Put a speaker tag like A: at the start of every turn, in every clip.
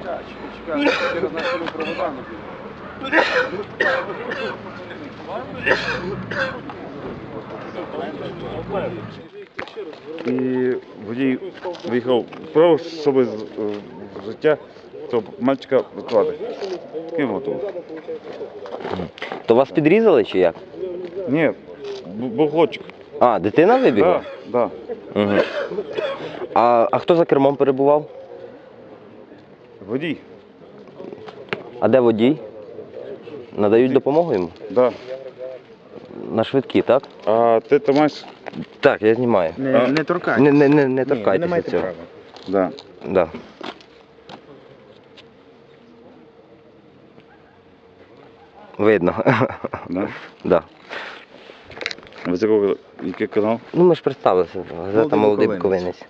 A: І водій виїхав вправо, щоб з життя того мальчика врятувати. І готово.
B: То вас підрізали чи як?
A: Ні, був хлопчик.
B: А, дитина вибігла?
A: Так.
B: Угу. А хто за кермом перебував?
A: Водій.
B: А де водій? Надають допомогу йому?
A: Так.
B: На швидкі, так?
A: А ти тримаєш?
B: Так, я знімаю.
C: Не торкайтесь.
B: Не торкайтеся цього.
A: Так.
B: Да. Видно.
A: Да?
B: Да.
A: Ви з якого, який канал?
B: Ну ми ж представилися, газета «Молодий буковинець».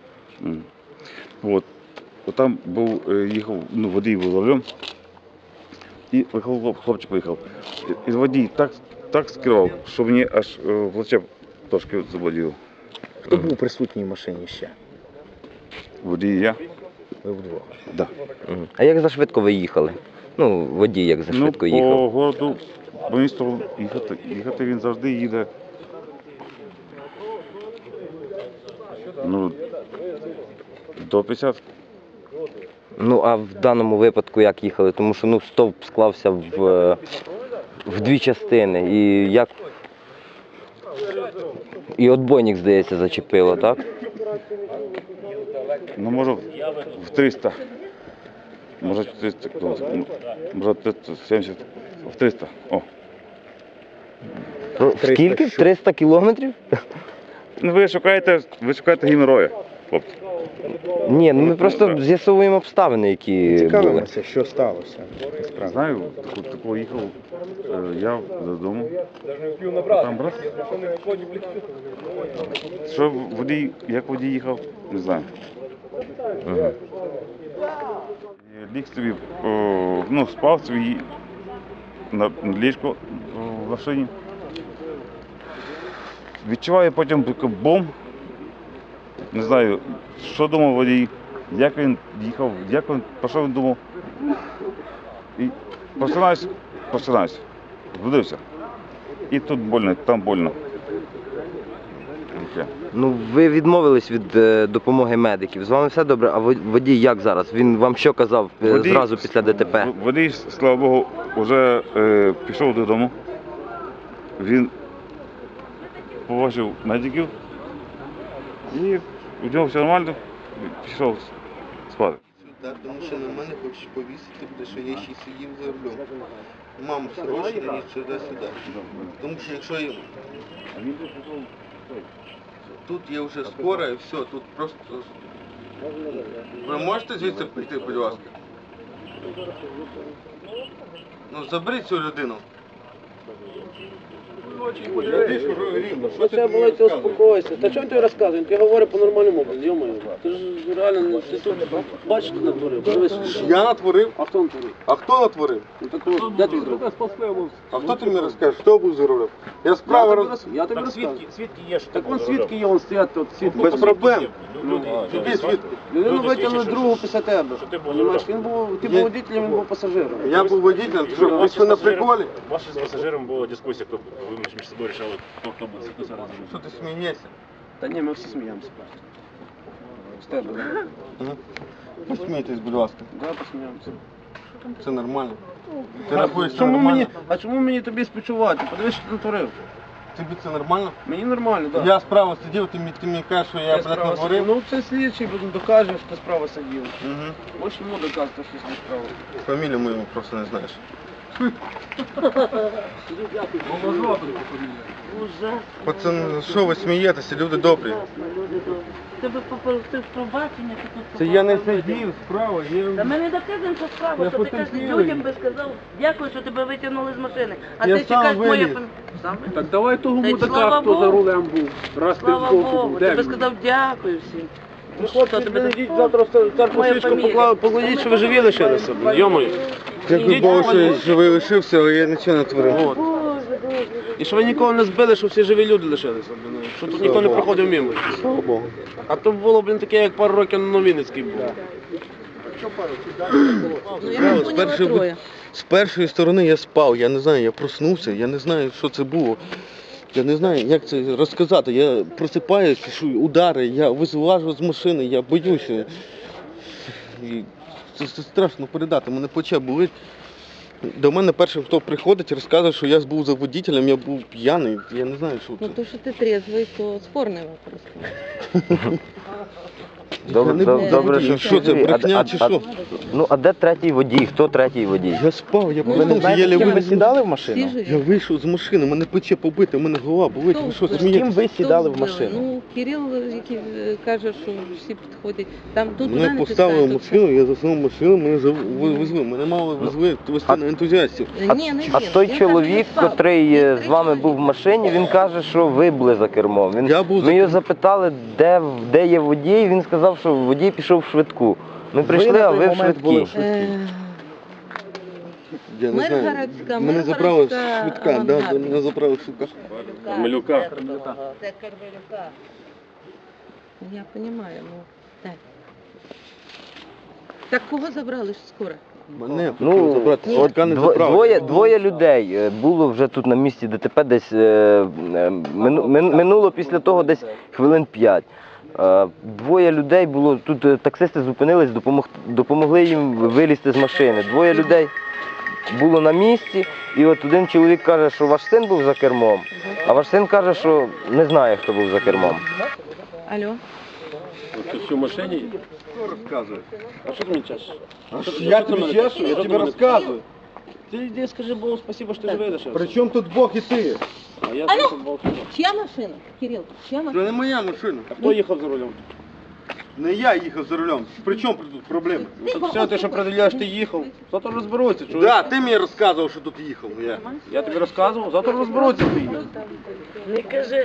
A: От. Там був, їхав, водій був за рулем. І хлопчик виїхав. І водій так скерував, що мені аж плече трошки заболіло.
C: Хто був присутній в машині ще?
A: Водій і я.
C: Ви вдвох?
A: Да.
B: А як зашвидко ви їхали? Ну, водій як зашвидко їхав?
A: По городу, по місту їхати він завжди їде. До 50.
B: Ну, а в даному випадку як їхали? Тому що стовп склався в дві частини. І як... І отбойник, здається, зачепило, так?
A: Може в 300. Може 400 км. Може 370. В 300. О.
B: Скільки? 300 кілометрів?
A: Ви шукаєте геморроя, хлопці.
B: Ні, ми просто з'ясовуємо обставини, які були.
C: Цікавимося, що сталося.
A: Знаю, такого їхав я додому. Там брат. Що водій, як водій їхав, не знаю. Ліг собі, спав собі на ліжку в машині. Відчуваю потім бомб. Не знаю, що думав водій, як він їхав, про що він думав. І просинаюсь, збудився. І тут больно, там больно.
B: Ну, ви відмовились від допомоги медиків. З вами все добре, а водій як зараз? Він вам що казав зразу після ДТП?
A: Водій, слава Богу, вже пішов додому. Він побачив медиків. І у нього все нормально, пішов спати.
D: Так, тому що на мене хочеш повісити, тому що я ще й сидів за рулем. Маму срочно їдь сюди-сюди. Тому що якщо я... Тут є вже скоро і все, тут просто... Ви можете звідси прийти, будь ласка? Заберіть цю людину.
E: Що це було, ти успокойся. Та чого ти розказуєш? Ти говориш по-нормальному, йо-моє. Ти ж реально, ти тут бачиш, що натворив.
D: Я натворив?
E: А хто натворив?
D: А хто натворив?
E: Ну так де твій друг?
D: А хто ти мені розкажеш, хто був за рулем? Я справа
E: Я тобі розказую. Так вон свідки є, вон стоять тут, свідки.
D: Без проблем. Які свідки?
E: Людину витягнули другу після тебе. Понимаєш, ти був водителем, він був пасажиром.
D: Я був водителем, ти що, ви на приколі?
F: Ваша з пасажиром була дискусія, хто ви між собою рішали, хто буде.
D: Що ти смієшся?
E: Та ні, ми всі сміємося просто. З тебе, так?
D: Посмійтесь, будь ласка.
E: Да, посміємося.
D: Це нормально. Ти рахуєш, це нормально?
E: А чому мені тобі співчувати? Подивись, що ти натворив.
D: Тобі це нормально?
E: Мені нормально, так.
D: Я справа сидів, ти мені кажеш, що я блядь, натворив?
E: Ну це слідчий, докаже, що ти справа сидів.
D: Угу.
E: Ось йому доказати, що ти справа.
D: Фамілію мою просто не знаєш. Пацан, що ви смієтеся, люди добрі?
G: Тебе попросив пробачення, ти тут
D: Це я не сидів справа,
G: Та ми не доказуємо, що справа, що ти кажеш, людям би сказав, дякую, що тебе витягнули з машини. А
D: Я
G: ти
D: сам
G: чекаєш моє...
D: виліз.
G: Сам виліз?
E: Так давай того
G: Та й
E: мудака,
G: слава
E: хто
G: Богу.
E: за рулем був. Раз ти
G: Слава
E: збоку
G: Богу,
E: був.
G: ти
E: Де
G: би
E: він?
G: сказав дякую всім.
E: Ну, хлопці,
G: тебе
E: йдіть завтра в церкву
G: Моя
E: свічку
G: фамілія.
E: покладіть, що ви живі лишилися. Йомою.
D: Дякую Богу, що я живий лишився, але я нічого не творив.
E: І що ви нікого не збили, що всі живі люди лишилися. Що тут ніхто не проходив мимо.
D: Слава Богу.
E: А то було, таке, як пару років на Новінницький був.
G: Ну, я не поняла троє.
D: З першої сторони я спав, я не знаю, я проснувся, я не знаю, що це було. Я не знаю, як це розказати. Я просипаюся, що удари, я вилажу з машини, я боюся. І це страшно передати, мене плече болить. До мене першим, хто приходить, розказує, що я був за водителем, я був п'яний, я не знаю, що це.
G: Ну, то, що ти трезвий, то спорний вопрос.
B: Добре, що
D: Що це, брехня чи що?
B: Ну, а де третій водій? Хто третій водій?
D: Я спав, я
C: Ви не
D: проснувся,
C: знаєте,
D: єлі
C: з ким ви
D: виліз.
C: сідали в
G: Всі
C: машину?
G: живі.
D: Я вийшов з машини, мене плече побите, мене голова болить, ви що,
G: Хто
C: З ким
D: смієтесь?
C: ви сідали в
G: Хто
C: машину?
G: вбили? Ну, Кирил, який каже, що всі підходять. Там тут туди
D: Мене
G: не
D: поставили в
G: пускають,
D: машину, я заснув в машину, мене везли. Мене мало везли везти на ентузіастів.
G: тут- Ні, не
B: А
G: він.
B: той
G: Він
B: чоловік,
G: каже, не спав.
B: котрий
G: Їх
B: з
G: три
B: вами був в
G: чоловіка.
B: машині, він каже, що ви були за кермом.
D: Я був за
B: Ми його
D: кермом.
B: запитали, де є водій, він сказав, що водій пішов в швидку. Ми прийшли,
C: на
B: а
C: той
B: ви в
C: момент були
B: швидкій.
C: в швидкій.
D: Я не знаю.
G: Миргородська,
D: Мене забрали з
G: Миргородська
D: швидка, да,
G: авангард.
D: мене забрали з швидка.
F: Кармелюка.
G: Це Кармелюка. Я понимаю, ну, так. Так кого забрали ж скоро?
D: Мене
B: Ну,
D: хотіли забрати, з швидка не забрали.
B: двоє людей було вже тут на місці ДТП десь минуло після того десь хвилин 5. Двоє людей було, тут таксисти зупинились, допомогли їм вилізти з машини. Двоє людей було на місці, і от один чоловік каже, що ваш син був за кермом, а ваш син каже, що не знає, хто був за кермом.
G: Алло?
E: Ти що в машині?
D: Розказує.
E: А що ти мені чешеш?
D: Я тобі чешу, я тобі розказую.
E: Ти йди скажи Богу спасибо, що ти живий лишився.
D: При чому тут Бог і ти?
E: А я
G: Алло?
E: слухав Бог.
G: Чия машина? Кирил, чия
D: Це
G: машина?
D: не моя машина.
E: А хто їхав за рулем?
D: Не я їхав за рулем. При чому тут проблеми?
E: Так все, ти що продивляєш, ти їхав. Завтра розберуться, чуєш?
D: Да, ти мені розказував, що тут їхав. Я.
E: Я тобі розказував, завтра розберуться ти їхав.
G: Не кажи.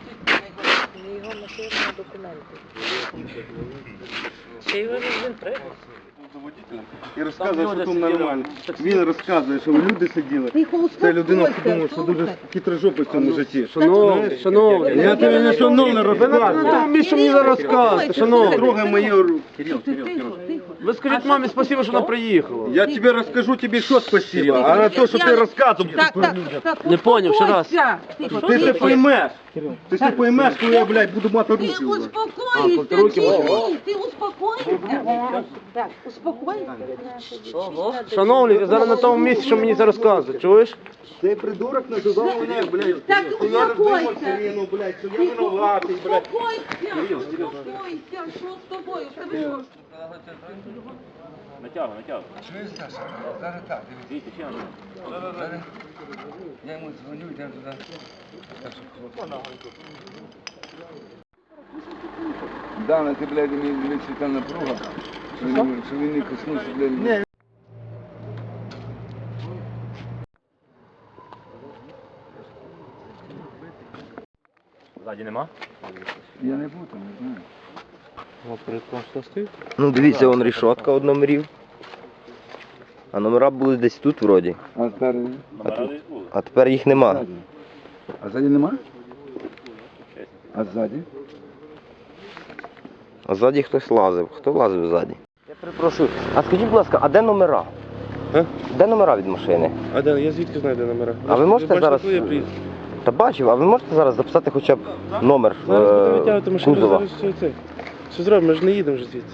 G: Ще його він приїхав.
D: І розказує, що
E: люди
D: тут
E: сиділи.
D: нормально. Він розказує, що люди сиділи.
G: Тихо,
D: Це людина,
G: успокойся,
D: думає, що дуже хитрожопий в цьому житті.
E: Шановний,
D: Я тобі не шановно розказую.
E: на тому місці мені зараз розказуєте, шановний.
D: Трогай мої руки.
G: Тихо, тихо.
E: Ви скажіть мамі спасибо, що вона приїхала.
D: Я тебе розкажу тобі, що спасибо, а на те, що ти розказував.
G: Так,
E: Не поняв, ще раз.
G: Тихо,
D: Ти це поймеш. Ти це поймеш, коли я, блядь, буду мати руки.
G: Ты
D: вже.
G: успокойся, Тимми, ты успокойся. Так, успокойся.
E: Шановний, ви зараз на тому місці, що мені зараз розказуєте, чуєш?
D: Цей придурок називав мене, блядь,
G: Так,
D: хуярив
G: успокойся.
D: Марину, блядь, що я винуватий, блядь.
G: Успокойся, успокойся, что с тобой? У тебе що?
F: Натягуй. Дивіться, ще один.
H: Я йому дзвоню, йдемо туди. Дана, ти, блядь, мені та напруга, що він не коснувся, блядь.
F: Ззаді нема?
H: Я не був там, не знаю.
B: Ну дивіться, вон рішотка од номерів. А номера були десь тут вроді.
H: А тепер,
F: Номера десь були.
B: А тепер їх нема.
H: а ззаді нема? А ззаді?
B: А ззаді хтось лазив. Хто лазив ззаді? Я перепрошую. А скажіть, будь ласка, а де номера?
E: А?
B: Де номера від машини?
E: А де, я звідки знаю, де номера?
B: А ви можете
E: бачите,
B: зараз-
E: коли я приїду?
B: Та бачив, а ви можете зараз записати хоча б номер
E: Зараз будемо витягувати машину,
B: кузова?
E: зараз все це. Що зробимо, ми ж не їдемо вже звідси.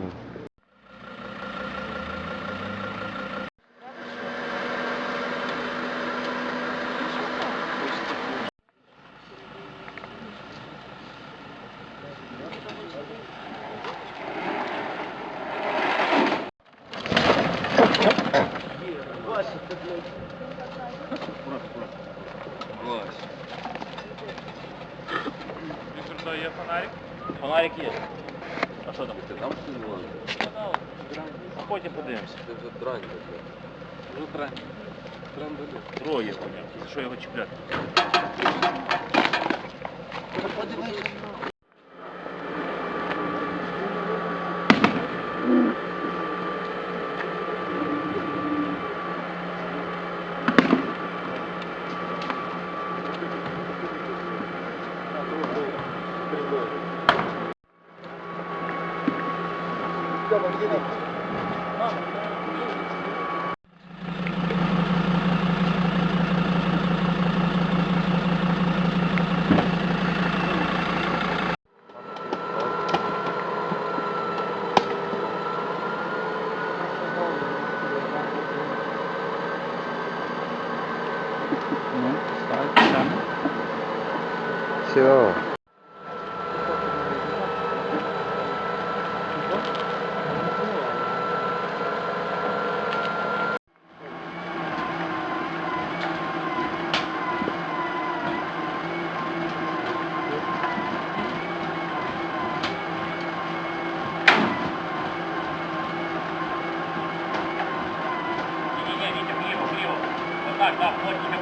F: Віктор, є фонарик? Фонарик є. А що там? Там а потім подивимося. Троє, за що його чіпляти?
B: Все.
F: Ні, Вітя, вліво, вліво. Отак, так, плотніше